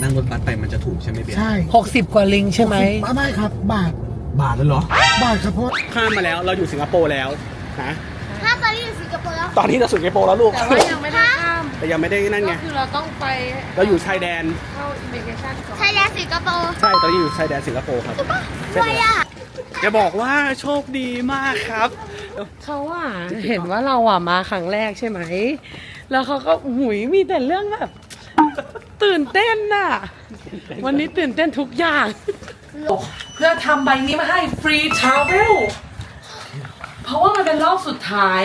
นั่งรถบัสไปมันจะถูกใช่ไหมเบียร์ใช่ 60 กว่าลิงใช่ไหมไม่ครับบาทเลยเหรอบาทครับเพราะข้ามมาแล้วเราอยู่สิงคโปร์แล้วนะถ้าตอนนี้อยู่สิงคโปร์แล้วตอนนี้เราสิงคโปร์แล้วลูกแต่ว่ายังไม่ได้ข้ามแต่ยังไม่ได้นั่นไงก็คือเราต้องไปเราอยู่ชายแดนเข้าอิมิเกชันก่อนไทยแลนด์สิงคโปร์ใช่ตอนนี้อยู่ชายแดนสิงคโปร์ครับรวยอ่ะจะบอกว่าโชคดีมากครับเขาเห็นว่าเรามาครั้งแรกใช่ไหมแล้วเขาก็หุยมีแต่เรื่องแบบตื่นเต้นน่ะวันนี้ตื่นเต้นทุกอย่างเพื่อทำใบนี้มาให้ฟรีทราเวลเพราะว่ามันเป็นรอบสุดท้าย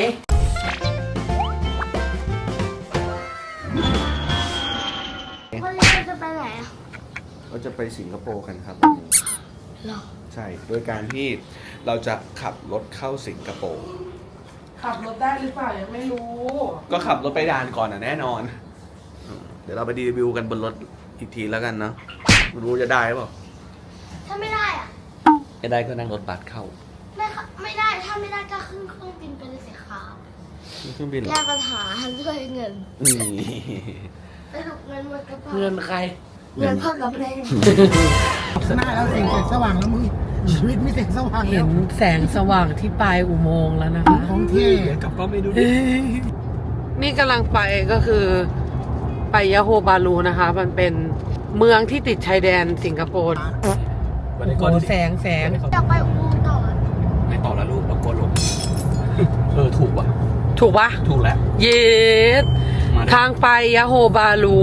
วันนี้จะไปไหนอ่ะเราจะไปสิงคโปร์กันครับหรอใช่โดยการที่เราจะขับรถเข้าสิงคโปร์ขับรถได้หรือเปล่ายังไม่รู้ก็ขับรถไปด่านก่อนแน่นอนเดี๋ยวเราไปรีวิวกันบนรถอีกทีแล้วกันเนาะไม่รู้จะได้เปล่าถ้าไม่ได้อ่ะไม่ได้ก็นั่งรถบัสเข้าไม่ได้ถ้าไม่ได้ก็ขึ้นเครื่องบินไปเลยสิครับเครื่องบินเหรอแก้ปัญหาด้วยเงินสรุปเงินหมดกระเป๋าเงินใครเงินพ่อกับแม่หน้าแล้วแสงสว่างแล้วมึงชีวิตไม่แสงสว่างเห็นแสงสว่างที่ปลายอุโมงค์แล้วนะคะของเท่กลับก็ไม่ดูดินี่กำลังไปก็คือไปยะโฮบาลูนะคะมันเป็นเมืองที่ติดชายแดนสิงคโปร์โอ้โหแสงจะไปอุโมงค์ต่อไม่ต่อแล้วลูกเราโกลงถูกป่ะถูกปะถูกแล้วเยสทางไปยะโฮบาลู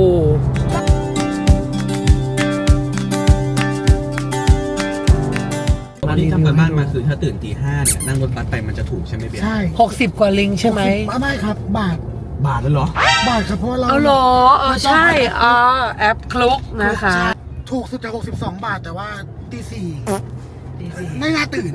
ตอนนี้ทำกันบ้านมาคือถ้าตื่นตี 5เนี่ยนั่งรถบัสไปมันจะถูกใช่ไหมเบียร์ใช่ 60 กว่าลิงใช่ไหมไม่ครับบาทเลยเหรอบาทครับเพราะเราเอาหรอใช่แอปคลุกนะคะถูกสุดจะ62 บาทแต่ว่าตี 4ไม่น่าตื่น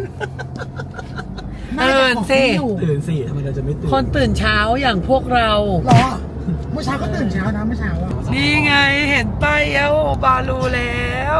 ตื่นสิทำไมเราจะไม่ตื่นคนตื่นเช้าอย่างพวกเราหรอเมื่อเช้าก็ตื่นเช้านะเมื่อเช้านี่ไงเห็นป้ายยะโฮบาลูแล้ว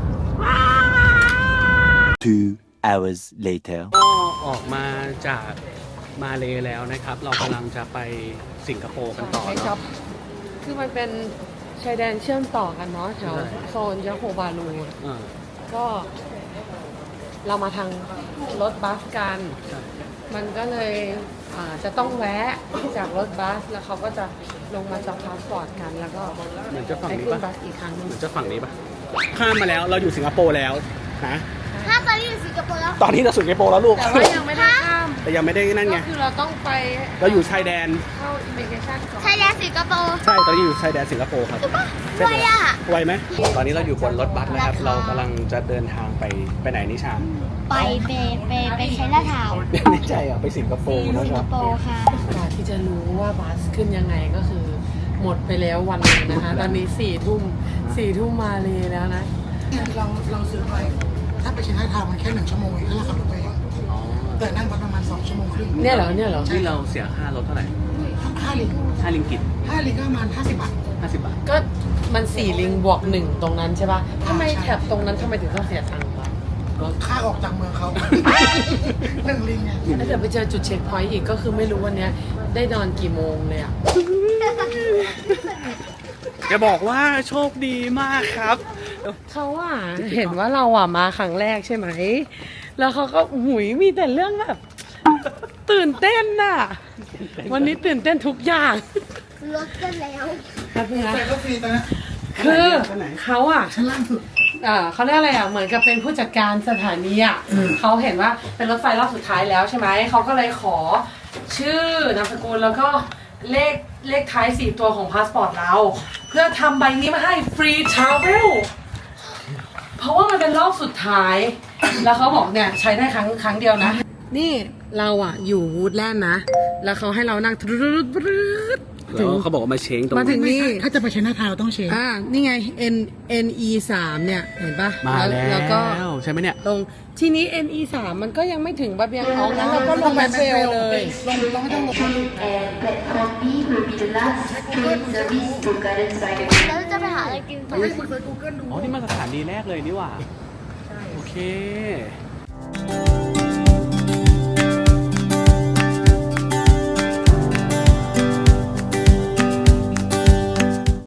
2 hours later ก็ออกมาจากมาเลแล้วนะครับเรากำลังจะไปสิงคโปร์กันต่อเนาะคือมันเป็นชายแดนเชื่อมต่อกันเนาะแถวโซนยะโฮบาลูก็เรามาทางรถบัสกันมันก็เลยจะต้องแวะจากรถบัสแล้วเขาก็จะลงมาจับพาสปอร์ตกันแล้วก็เหมือนจะฝั่งนี้ป่ะอีกครั้งนึงเหมือนจะฝั่งนี้ป่ะข้ามมาแล้วเราอยู่สิงคโปร์แล้วนะถ้าตอนนี้อยู่สิงคโปร์แล้วตอนนี้เราสิงคโปร์แล้วลูกแต่ว่ายังไม่ได้ข้ามแต่ยังไม่ได้นั่นไงก็คือเราต้องไปเราอยู่ชายแดนเข้าอิมิเกชันก่อนไทยแลนด์สิงคโปร์ใช่ตอนนี้อยู่ชายแดนสิงคโปร์ครับรวยอ่ะไวไหมตอนนี้เราอยู่บนรถบัสนะครับเรากำลังจะเดินทางไปไหนนิชาไปใช้หน้าเท้าไม่ใช่ไปสิงคโปร์นะครับค่ะการที่จะรู้ว่าบัสขึ้นยังไงก็คือหมดไปแล้ววันนึงนะคะตอนนี้4 ทุ่มมาเลยแล้วนะเราซื้อไปถ้าไปเชียงรายทางมันแค่1 ชั่วโมงเองถ้าเราขับรถไปแต่นั่งบัสประมาณ2 ชั่วโมงครึ่งเนี่ยเหรอที่เราเสียค่ารถเท่าไหร่ 5 ลิงกิต 5 ลิงก็ประมาณ50 บาทก็มัน4 ลิงบวก1ตรงนั้นใช่ป่ะทำไมแถบตรงนั้นทำไมถึงต้องเสียตังค์วะค่าออกจากเมืองเขา1 ลิงไงแล้วเดี๋ยวไปเจอจุดเช็คพอยต์อีกก็คือไม่รู้วันนี้ได้นอนกี่โมงเลยอ่ะจะบอกว่าโชคดีมากครับเขาเห็นว่าเรามาครั้งแรกใช่ไหมแล้วเขาก็หุยมีแต่เรื่องแบบตื่นเต้นน่ะวันนี้ตื่นเต้นทุกอย่างรถกันแล้วครับพี่นะก็ฟรีนะคือเขาชั้นล่างสุดเขาเรียกอะไรเหมือนกับเป็นผู้จัดการสถานีเขาเห็นว่าเป็นรถไฟรอบสุดท้ายแล้วใช่ไหมเขาก็เลยขอชื่อนามสกุลแล้วก็เลขท้าย4 ตัวของพาสปอร์ตเราเพื่อทำใบนี้มาให้ฟรีทราเวลเพราะว่ามันเป็นรอบสุดท้ายแล้วเขาบอกเนี่ยใช้ได้ครั้งเดียวนะนี่เราอยู่วูดแลนด์นะแล้วเขาให้เรานั่งถึงเขาบอกว่ามาเช้งตรงมาถึงนี่ถ้าจะไปเชน่าทาวน์ต้องเช้งนี่ไง NE 3เนี่ยเห็นปะมาแล้วก็ใช่ไหมเนี่ยตรงทีนี้ NE 3มันก็ยังไม่ถึงบาเบียงออกนะเราก็ลงไปเฟลเลยลงไม่ต้องลงแล้วจะไปหาอะไรกินต่ออ๋อนี่มาสถานีแรกเลยนี่หว่าโอเค